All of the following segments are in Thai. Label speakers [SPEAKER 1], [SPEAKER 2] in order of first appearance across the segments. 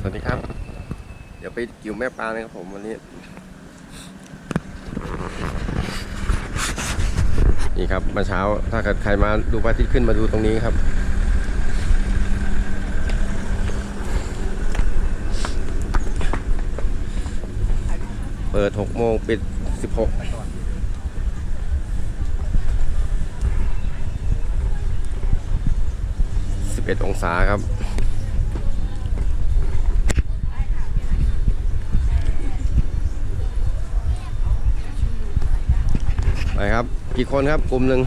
[SPEAKER 1] สวัสดีครับเดี๋ยวไปกิ่วแม่ปลานะครับผมวันนี้นี่ครับมาเช้าถ้าเกิดใครมาดูพระอาทิตย์ขึ้นมาดูตรงนี้ครับเปิด6 โมงปิด16 11 องศาครับไปครับกี่คนครับกลุ่มหนึ่ง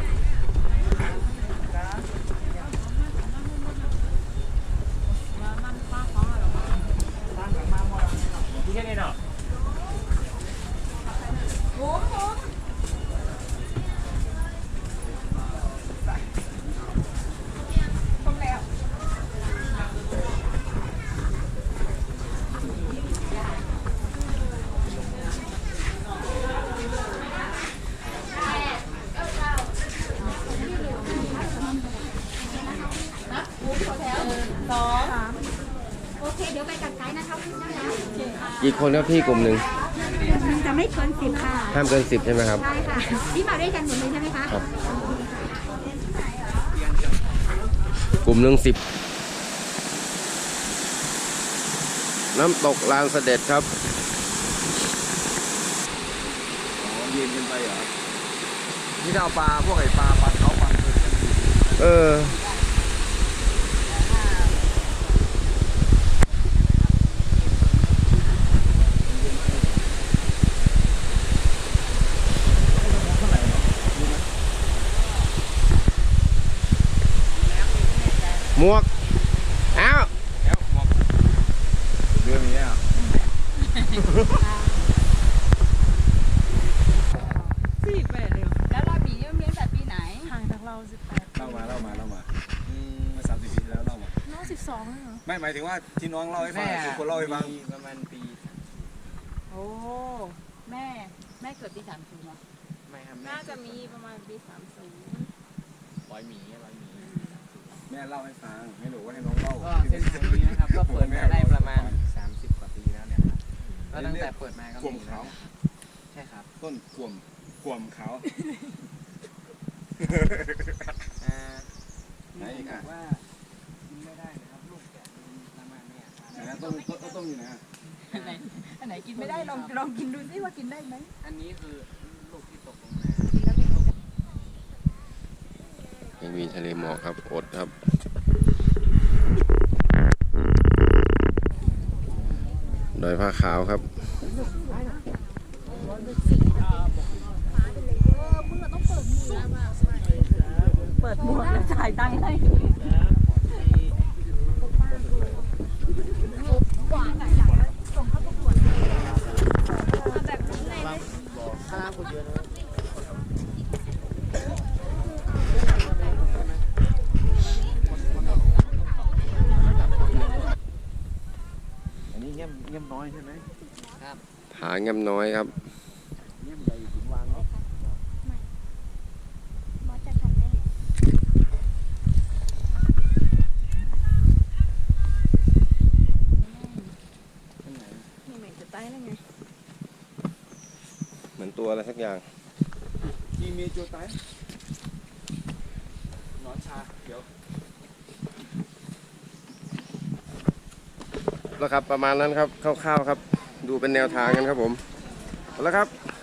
[SPEAKER 2] โอเคเดี๋ยวไปกับไกด์นะครับพี่นะ
[SPEAKER 1] กี่คนครับพี่กลุ่มหนึ่ง
[SPEAKER 2] จะไม่เกิน10ค่ะ
[SPEAKER 1] ห้ามเกิน10ใช่ไหมครับ
[SPEAKER 2] ใช่ค่ะนี่มาด้วยกันหมดเลยใช่ไหมคะ
[SPEAKER 1] ครับกลุ่มหนึ่ง10น้ำตกลานเสด็จครับ
[SPEAKER 3] เย็นกันไปเหรอนี่เราปลาพวกไอ้ปลาเขาปลา
[SPEAKER 1] หมวกอ้าว
[SPEAKER 3] แล้วหมอกเรื่องนี้อ่ะ
[SPEAKER 4] 48เลยแล้วเรามีเลี้ยงแต่ปีไหนห่างจากเรา18
[SPEAKER 3] เล่ามามา30 ปีแล้วเล่ามา
[SPEAKER 4] น้อง12เหรอ
[SPEAKER 3] ไม่หมายถึงว่าที่น้องเล่าให้ฟังคือคนเล่าให้ฟัง
[SPEAKER 5] ประมาณปี
[SPEAKER 4] โอ้แม่เกิดปี30เหรอ
[SPEAKER 5] ไม่ครับ
[SPEAKER 4] น่าจะมีประมาณปี30
[SPEAKER 5] ร้อยหมี
[SPEAKER 3] แม่เล่าให้ฟังไม่รู้ว่าให้น้องเล่า
[SPEAKER 5] ก็เส้นทางนี้นะครับก็เปิดมาได้ประมาณ30 กว่าปีแล้วเนี่ยครับก็ตั้งแต่เปิดมาก็
[SPEAKER 3] กลุ่มเขา
[SPEAKER 5] ใช่ครับ
[SPEAKER 3] ต้นกลุ่มเขา
[SPEAKER 5] ไหนอีกอ่ะว่ากินไม่ได้นะครับลูกแกะประมาณนี้
[SPEAKER 3] ต้มอยู่นะ
[SPEAKER 4] อันไหนกินไม่ได้ลองกินดูซิว่ากินได้ไหม
[SPEAKER 5] อันนี้คือลูกที่ตกลงมา
[SPEAKER 1] ยังมีทะเลหมอกครับอดครับดอยผ้าขาวครับ
[SPEAKER 4] เปิดหมวกแล้วจ่ายตังค์ให้
[SPEAKER 3] อันนี้เงี้ยน้อยใช่ไหม
[SPEAKER 5] ครับ
[SPEAKER 1] ผาเงียบน้อยครับ
[SPEAKER 3] เงี้ยใหญ่ถึงวางเนาะ
[SPEAKER 2] มอสจะทำได้
[SPEAKER 4] นี่เหม็นจะตายแล้วไง
[SPEAKER 1] เหมือนตัวอะไรสักอย่าง
[SPEAKER 3] ที่มีโจไตนอนชาเดี๋ยว
[SPEAKER 1] แล้วครับประมาณนั้นครับคร่าวๆครับดูเป็นแนวทางกันครับผมแล้วครับ